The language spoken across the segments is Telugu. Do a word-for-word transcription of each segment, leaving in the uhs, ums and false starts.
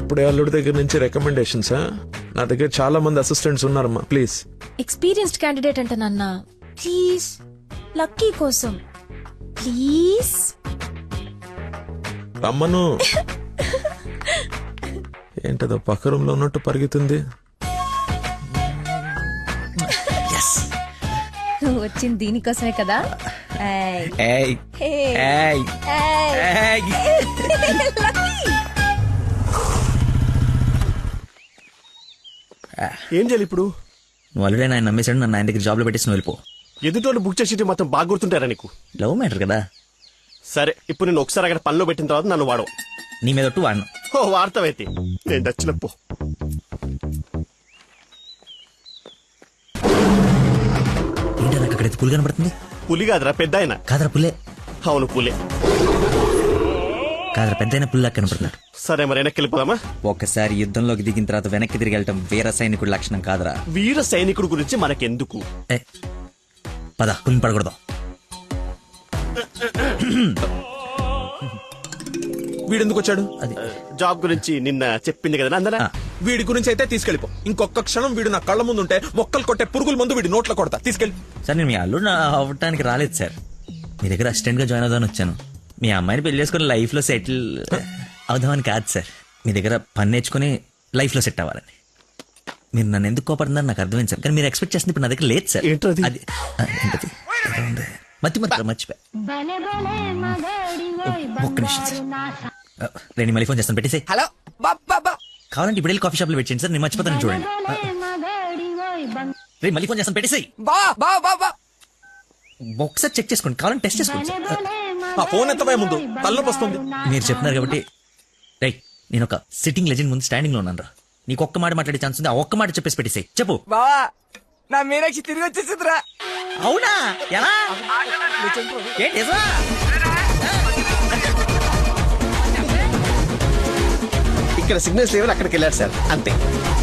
అప్పుడే అల్లుడి దగ్గర నుంచి రికమెండేషన్స్. నా దగ్గర చాలా మంది అసిస్టెంట్స్ ఉన్నారమ్మా, ప్లీజ్. ఎక్స్పీరియన్స్డ్ క్యాండిడేట్ అంట నాన్న, ప్లీజ్ లక్కీ కోసం ప్లీజ్. రమ్మను. ఏంటదో పక్క రూమ్ లో ఉన్నట్టు పరిగెత్తుంది. నువ్వు వచ్చింది దీనికోసమే కదా. ఏయ్. ఏయ్ ఏయ్ ఏయ్. ఏం చేయాలి ఇప్పుడు? నువ్వు ఆల్రెడీ ఆయన నమ్మేశాడు, నన్ను ఆయన దగ్గర జాబ్లో పెట్టేసి నువ్వు వెళ్ళిపో. ఎదుటోళ్ళు బుక్ చేసి మొత్తం బాగా గుర్తుంటారా నీకు? లవ్ మ్యాటర్ కదా. సరే, ఇప్పుడు నేను ఒకసారి అక్కడ పనిలో పెట్టిన తర్వాత నన్ను వాడవు. నీ మీద ఒట్టు వాడను. ఓ వార్తవైతే నేను దచ్చినప్పు. ఏంటో నాకు అక్కడైతే పులి కనపడుతుంది. పులి కాదురా, పెద్ద ఆయన. కాదరా పుల్లే. అవును పులే. కాదరా పెద్ద అయిన పుల్లా కనపడుతున్నాడు. సరే మరి వెనక్కి వెళ్ళిపోదామా? ఒకసారి యుద్ధంలోకి దిగిన తర్వాత వెనక్కి తిరిగి వెళ్ళటం వీర సైనికుడి లక్షణం కాదరా. వీర సైనికుడు గురించి మనకెందుకు? ఏ పద, పులిని పడకూడదాం. వీడెందుకు వచ్చాడు? అది జాబ్ గురించి నిన్న చెప్పింది కదా అందరా. వీడి గురించి అయితే తీసుకెళ్ళిపో. ఇంకొక క్షణం వీడు నా కళ్ళ ముందు ఉంటే మొక్కలు కొట్టే పురుగుల ముందు వీడి నోట్లో కొడతా. తీసుకెళ్ళి. సార్ నేను మీ అల్లుడు నా అవ్వటానికి రాలేదు సార్, మీ దగ్గర అసిస్టెంట్ గా జాయిన్ అవుదామని వచ్చాను. మీ అమ్మాయిని పెళ్లి చేసుకుని లైఫ్ లో సెటిల్ అవుదామని కాదు సార్, మీ దగ్గర పని నేర్చుకుని లైఫ్ లో సెట్ అవ్వాలని. మీరు నన్ను ఎందుకు కోపడుతున్నారు నాకు అర్థమైంది సార్, కానీ మీరు ఎక్స్పెక్ట్ చేస్తుంది ఇప్పుడు నా దగ్గర లేదు సార్. ఏంటది? అది ఆ, ఏంటది? ఏదో ఉంది. మతి మతి మర్చిపోయా. ఒక్క నిమిషం సార్, రేణి మళ్ళీ ఫోన్ చేస్తాను, పెట్టేసి. హలో బాబా, కావాలంటే ఇప్పుడు వెళ్ళి కాఫీ షాప్ లో వెయిట్ చేయండి సార్, నేను మర్చిపోతాను చూడండి. రేపు మళ్ళీ ఫోన్ చేస్తాను, పెట్టేసి. బా బా బా ఒకసారి చెక్ చేసుకోండి, కావాలంటే టెస్ట్ చేసుకోండి సార్. ఆ ఫోన్ ఎత్తబోయే ముందు తలనొప్పి వస్తుంది. మీరు చెప్తున్నారు కాబట్టి రైట్, నేను ఒక సిట్టింగ్ లెజెండ్ ముందు స్టాండింగ్ లో ఉన్నాను రా. నీకు ఒక్క మాట మాట్లాడే ఛాన్స్ ఉంది, ఆ ఒక్క మాట చెప్పేసి పెట్టేసి చెప్పు. బావా, నా మీనాక్షి తిరిగి వచ్చేసిందిరా. అవునా? ఎలా? ఏంటి నిజమా? ఇక్కడ సిగ్నల్స్ లేవని అక్కడికి వెళ్ళారు సార్, అంతే.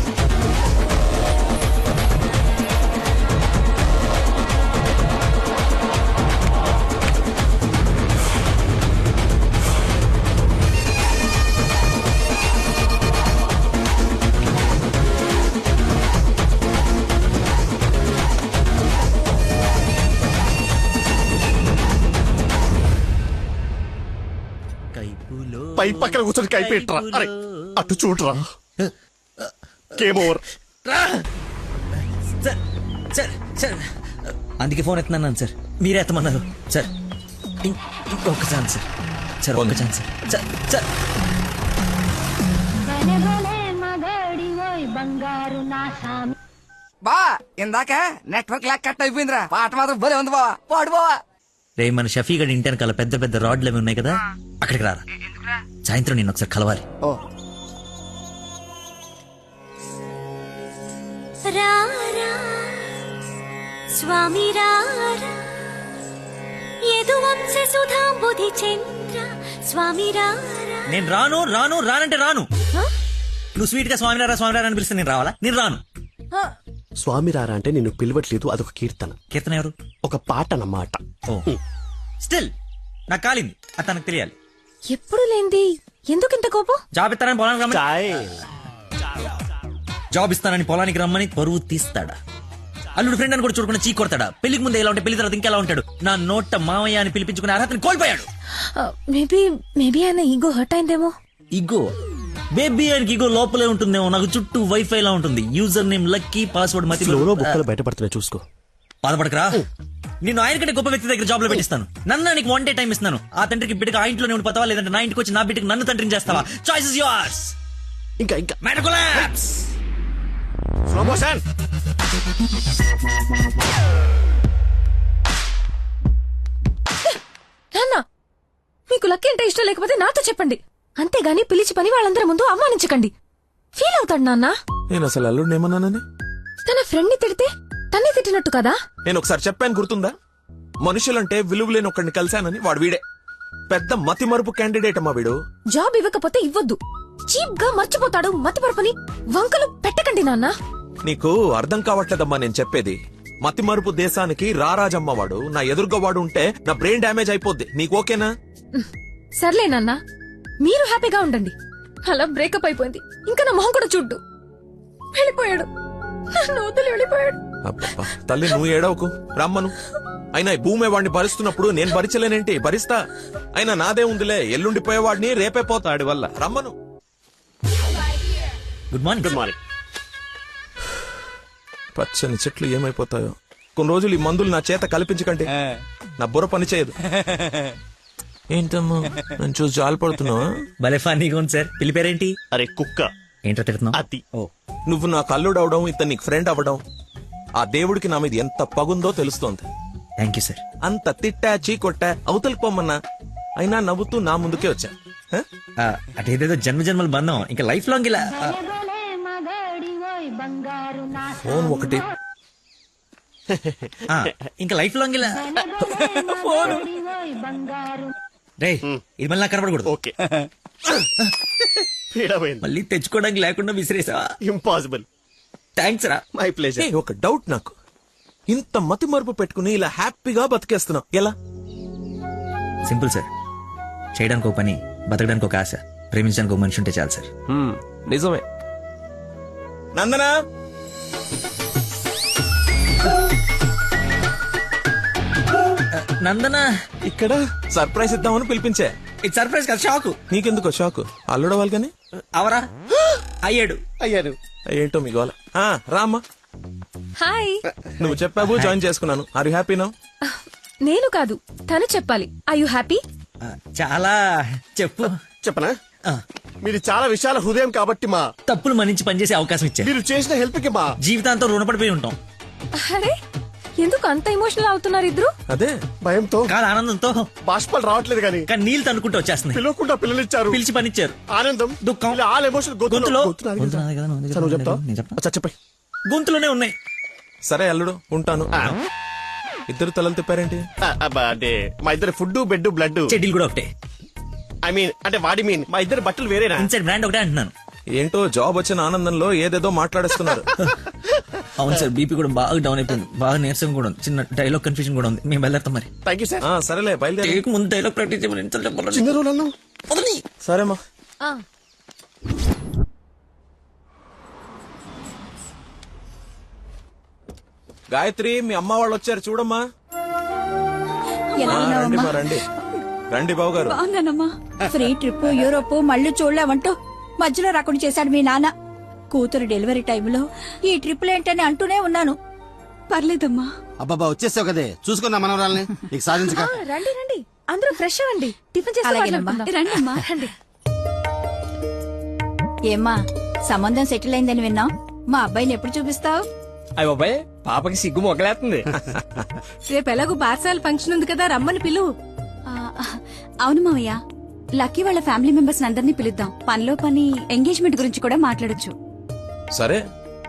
కైపులో పై పక్కన కూర్చొని కైపెట్టరా. అరే అటు చూడరా. Game over. Sir sir sir అందుకే ఫోన్ ఎత్తున్నాను సార్, మీరే ఎత్తమన్నారు సార్. ఇం- ఇంకొక ఛాన్స్ సార్, సార్ ఒక్క ఛాన్స్ సార్. సార్ సార్ బా ఇందాక నెట్వర్క్ లాక్ కట్ అయిపోయిందిరా. పాట మాత్రం భలే ఉంది బావా, పాడు బావా. రే మన షఫీ గడి ఇంటి వెనకాల పెద్ద పెద్ద రాడ్లు అవి ఉన్నాయి కదా, అక్కడికి రారా. సాయంత్రం నేను ఒకసారి కలవాలి. ఓ రారా స్వామి రారా యదువంశ సుధాంబుధి చంద్ర స్వామి రారా. నేను రాను రాను రానంటే రాను. నువ్వు స్వీట్ గా స్వామినారా స్వామినారా అని పిలిస్తే నేను రావాలా? నేను రాను. స్వామి రారా అంటే నిన్ను పిలవట్లేదు, అదొక కీర్తన. కీర్తన ఎవరు? ఒక పాట అన్నమాట. ఓ స్టిల్ నాకు కాలింది, అది తనకు తెలియాలి. ఎప్పుడు లేంది ఎందుకు ఇంత కోపం? జాబ్ ఇస్తానని పొలానికి రమ్మని చాయ్. జాబ్ ఇస్తానని పొలానికి రమ్మని పరువు తీస్తాడా? అల్లుడు ఫ్రెండ్ అని కూడా చూడకుండా చీ కొడతాడా? పెళ్లికి ముందు ఎలా ఉంటే పెళ్లి తర్వాత ఇంకెలా ఉంటాడు? నా నోట మామయ్య అని పిలిపించుకునే అర్హతని కోల్పోయాడు. మేబీ మేబీ ఆయన ఈగో హర్ట్ అయిందేమో. ఇగో బేబీ ఆయనకి ఇగో లోపలే ఉంటుందేమో, నాకు చుట్టూ వైఫై లా ఉంటుంది. యూజర్ నేమ్ లక్కీ, పాస్వర్డ్ మతి. ఫ్లోలో బుక్కలు బయటపడుతున్నాయి చూసుకో. బాధపడకరా, నేను ఆయన కంటే గొప్ప వ్యక్తి దగ్గర జాబ్ లో పెట్టిస్తాను. నన్ను నీకు వన్ డే టైం ఇస్తున్నాను. ఆ తండ్రికి బిడ్డకి ఆ ఇంట్లోనే ఉండి పోతావా, లేదంటే నా ఇంటికి వచ్చి నా బిడ్డకి నన్ను తండ్రిని చేస్తావా? Choice is yours. ఇంకా ఇంకా మ్యాటర్ కొలాప్స్. Slow motion. నాన్న, మీకు లక్కీ అంటే ఇష్టం లేకపోతే నాతో చెప్పండి, అంతేగాని పిలిచి పని వాళ్ళందరి ముందు అవమానించకండి. ఫీల్ అవుతాడు నాన్న. నేను అసలు అల్లుడిని ఏమన్నానని? తన ఫ్రెండ్ ని తిడితే తన్ని తిట్టినట్టు కదా. నేను ఒకసారి చెప్పాను, గుర్తుందా? మనుషులంటే విలువలేని ఒకడిని కలిశానని. వాడు వీడే పెద్ద మతి మరుపు క్యాండిడేట్ అమ్మా వీడు. జాబ్ ఇవ్వకపోతే ఇవ్వద్దు, చీప్ గా మర్చిపోతాడు. మతి పరపని వంకలు పెట్టకండి నాన్న. నీకు అర్థం కావట్లేదమ్మా నేను చెప్పేది. మతి మరుపు దేశానికి రారాజమ్మ వాడు. నా ఎదురుగా వాడు ఉంటే నా బ్రెయిన్ డ్యామేజ్ అయిపోద్ది. నీకు ఓకేనా? సర్లే నాన్న, మీరు హ్యాపీగా ఉండండి. అలా బ్రేకప్ అయిపోయింది. ఇంకా నా మొహం కూడా చూడ్డు. వెళ్ళిపోయాడు, నన్ను వదిలి వెళ్ళిపోయాడు. అబ్బబ్బా, తల్లి నువ్వు ఏడవకు, రమ్మను. అయినా ఈ భూమి వాడిని భరిస్తున్నప్పుడు నేను భరించలేనేంటి? భరిస్తా. అయినా నాదే ఉందిలే, ఎల్లుండిపోయేవాడిని రేపే పోతాడి వల్ల. రమ్మను. Good morning. Good morning. పచ్చని చెట్లు ఏమైపోతాయో. కొన్ని రోజులు ఈ మందులు నా చేత కల్పించకండి, నా బుర్ర పని చేయదు. ఏంటమ్మా నేను చూసి జాలిపడుతున్నావా? భలే ఫన్నీగా ఉంది సార్. పిల్లి పేరేంటి? అరే కుక్క. ఏంటో తిడుతున్నావు? అతి. ఓ నువ్వు నా కల్లుడు అవడం, ఇతను నీకు ఫ్రెండ్ అవ్వడం, ఆ దేవుడికి నా మీద ఎంత పగుందో తెలుస్తోంది. Thank you sir. అంత తిట్టా చీకొట్టా అవతలికి పొమ్మన్నా అయినా నవ్వుతూ నా ముందుకే వచ్చా. హ? అటేదేదో జన్మ జన్మల బంధం ఇంకా లైఫ్ లాంగ్ ఇలా. ఆ, ఫోన్ ఒకటి. ఆ, ఇంకా లైఫ్ లాంగ్ ఇలా. రే ఇది మళ్ళీ నాకు కనపడకూడదు. ఓకే. పీడమైంది. మళ్ళీ తెచ్చుకోవడానికి లేకుండా విసిరేసావా? ఇంపాసిబుల్. థ్యాంక్స్ రా. My uh, pleasure. ఒక డౌట్ నాకు. ఇంత మతి మరుపు పెట్టుకుని ఇలా హ్యాపీగా బతికేస్తున్నావు ఎలా? Simple sir. చేయడానికి ఒక పని, బతకడానికి ఒక ఆశ, ప్రేమించడానికి ఒక మనిషి ఉంటే చాలు సార్. నిజమే. నందనా, నందన ఇక్కడ సర్ప్రైజ్ ఇద్దామని పిలిపించే. ఇది సర్ప్రైజ్ కదా, షాకు. నీకెందుకో షాకు? అల్లుడవాలి కానీ. అవరా అయ్యాడు. అయ్యారు. ఏంటో మీ గోల. ఆ, రామ్మా. హాయ్. నువ్వు చెప్పావు, జాయిన్ చేసుకున్నాను. Are you happy now? నేను కాదు, తను చెప్పాలి. I you happy? ఆ, చాలా చెప్పు. చెప్పనా? ఆ, మీరు చాలా విశాల హృదయం కాబట్టి మా తప్పులు మన్నించి పనిచేసే అవకాశం ఇచ్చారు. మీరు చేసిన హెల్ప్ కి మా జీవితాంతం రుణపడిపోయి ఉంటాం. అరే ఎందుకు అంత ఎమోషనల్ అవుతున్నారు ఇద్దరు? అదే భయంతో కాదు ఆనందంతో. బాష్పాలు రావట్లేదు కానీ కానీ నీళ్ళు తనుకుంటూ వచ్చేస్తున్నాయి. పిలవకుండా పిల్లలిచ్చారు. పిలిచి పనిచ్చారు. ఆనందం, దుఃఖం. ఇలా ఆల్ ఎమోషన్ గొంతులో గొంతు నాది గొంతు కదా. నాది కదా, నువ్వు సరే, నువ్వు చెప్తావా? నేను చెప్తా. అచ్చా, చెప్పండి. గొంతులోనే ఉన్నాయి. సరే అల్లుడు, ఉంటాను. ఇద్దరు తలలు తిప్పారేంటి? ఆ, అబ్బా, అంటే మా ఇద్దరు ఫుడ్ బెడ్ బ్లడ్. చెడ్డీలు కూడా ఒకటే. ఐ మీన్ అంటే వాడి మీన్ మా ఇద్దరు బట్టలు వేరేనా? ఇన్సైడ్ బ్రాండ్ ఒకటే అంటున్నాను. ఏంటో జాబ్ వచ్చిన ఆనందంలో ఏదేదో మాట్లాడేస్తున్నారు. అవును సార్, బీపీ కూడా బాగా డౌన్ అయిపోయింది. బాగా నీరసం కూడా ఉంది. చిన్న డైలాగ్ కన్ఫ్యూజన్ కూడా ఉంది. మేము వెళ్ళేస్తాం మరి. Thank you sir. ఆ, సరేలే బయలుదేరి. టేక్ ముందు డైలాగ్ ప్రాక్టీస్ చేయమని ఎంత చెప్పాలి? చిన్న రోజులు అన్నావు. సరేమ్మా. ఆ, గాయత్రి, మీ అమ్మ వాళ్ళు వచ్చారు చూడమ్మా. ఎలా ఆ, రండి ఉన్నావమ్మా? మా, రండి రండి బాబు గారు. బాగున్నానమ్మా. ఫ్రీ ట్రిప్ యూరోప్ మళ్ళీ చూడలేమంటూ మధ్యలో రాకుండా చేశాడు మీ నాన్న. కూతురు డెలివరీ టైంలో ఈ ట్రిప్లు ఏంటని అంటూనే ఉన్నాను. పర్లేదమ్మా. అబ్బాబా వచ్చేసావు కదే, చూసుకున్నా మనవరాల్ని నీకు సాధించక. ఆ, రండి రండి, అందరూ ఫ్రెష్ అవ్వండి. టిఫిన్ చేసి అలాగేనమ్మా. రండమ్మా. రండి. ఏమ్మా సంబంధం సెటిల్ అయిందని విన్నాం. మా అబ్బాయిని ఎప్పుడు చూపిస్తావు? అయ్య బాబాయ్, పాపకి సిగ్గు మొగలేస్తుంది. రేపు ఎలాగో బార్సాల ఫంక్షన్ ఉంది కదా, రమ్మని పిలువు. అవును మావయ్య, లక్కీ వాళ్ళ ఫ్యామిలీ మెంబర్స్ అందరినీ పిలుద్దాం. పనిలో పని ఎంగేజ్మెంట్ గురించి కూడా మాట్లాడొచ్చు. సరే.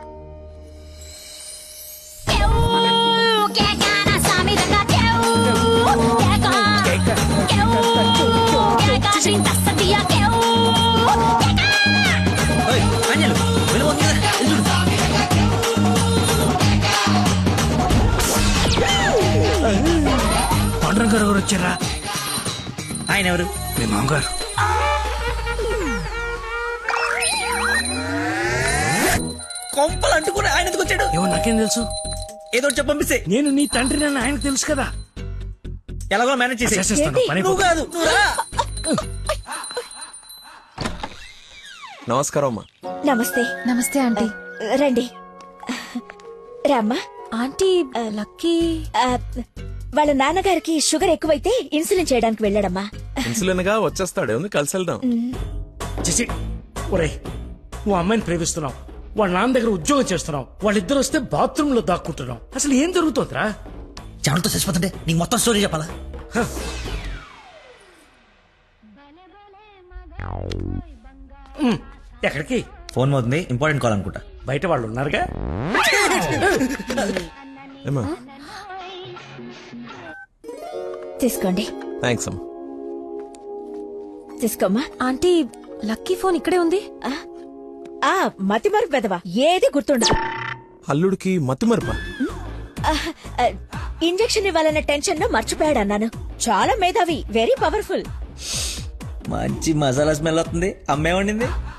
ఓయ్, ఆంజనేయులు, వెళ్ళిపోతుంది కదా, వెళ్ళి చూడు. పండుగ గారు వచ్చారా? ఆయన ఎవరు? మీ మామగారు. కొంపలు అంటుకుని ఆయన ఎందుకు వచ్చాడు? ఏమో నాకేం తెలుసు. ఏదో ఒకటి చెప్పి పంపిస్తే నేను నీ తండ్రి నన్ను ఆయనకు తెలుసు కదా. ఎలాగో మేనేజ్ చేసి. చేసేస్తాను, పని నువ్వు కాదు, నువ్వు రా. నమస్కారం అమ్మా. నమస్తే. నమస్తే ఆంటీ. రండి రామ్మా. ఆంటీ లక్కీ ఆ, వాళ్ళ నాన్నగారికి షుగర్ ఎక్కువైతే ఇన్సులిన్ చేయడానికి వెళ్ళాడమ్మా. ఇన్సులిన్ గా వచ్చేస్తాడు, ఉంది కలిసి వెళ్దాం. చేసి ఒరే, నువ్వు అమ్మాయిని ప్రేమిస్తున్నావు, వాళ్ళ నాన్న దగ్గర ఉద్యోగం చేస్తున్నావు, వాళ్ళిద్దరు వస్తే బాత్రూమ్ లో దాక్కుంటున్నావు. అసలు ఏం జరుగుతుందిరా? చెమటతో చచ్చిపోతుంటే నీకు మొత్తం స్టోరీ చెప్పాలా? ఉమ్, ఎక్కడికి? ఫోన్ అవుతుంది, ఇంపార్టెంట్ కాల్ అనుకుంటా. బయట వాళ్ళు ఉన్నారుగా. ఏమా? తీసుకోండి. థ్యాంక్స్ అమ్మా. తీసుకోమ్మా. ఆంటీ లక్కీ ఫోన్ ఇక్కడే ఉంది. ఆ, ఆ మతి మరుపు పెదవా, ఏది గుర్తుండదు. అల్లుడికి మతిమరుపా? ఆ, ఆ, ఇంజెక్షన్ ఇవ్వాలన్న టెన్షన్ లో మర్చిపోయాడు అన్నాను. చాలా మేధావి, వెరీ పవర్ఫుల్. మంచి మసాలా స్మెల్ వస్తుంది. అమ్మే వండింది.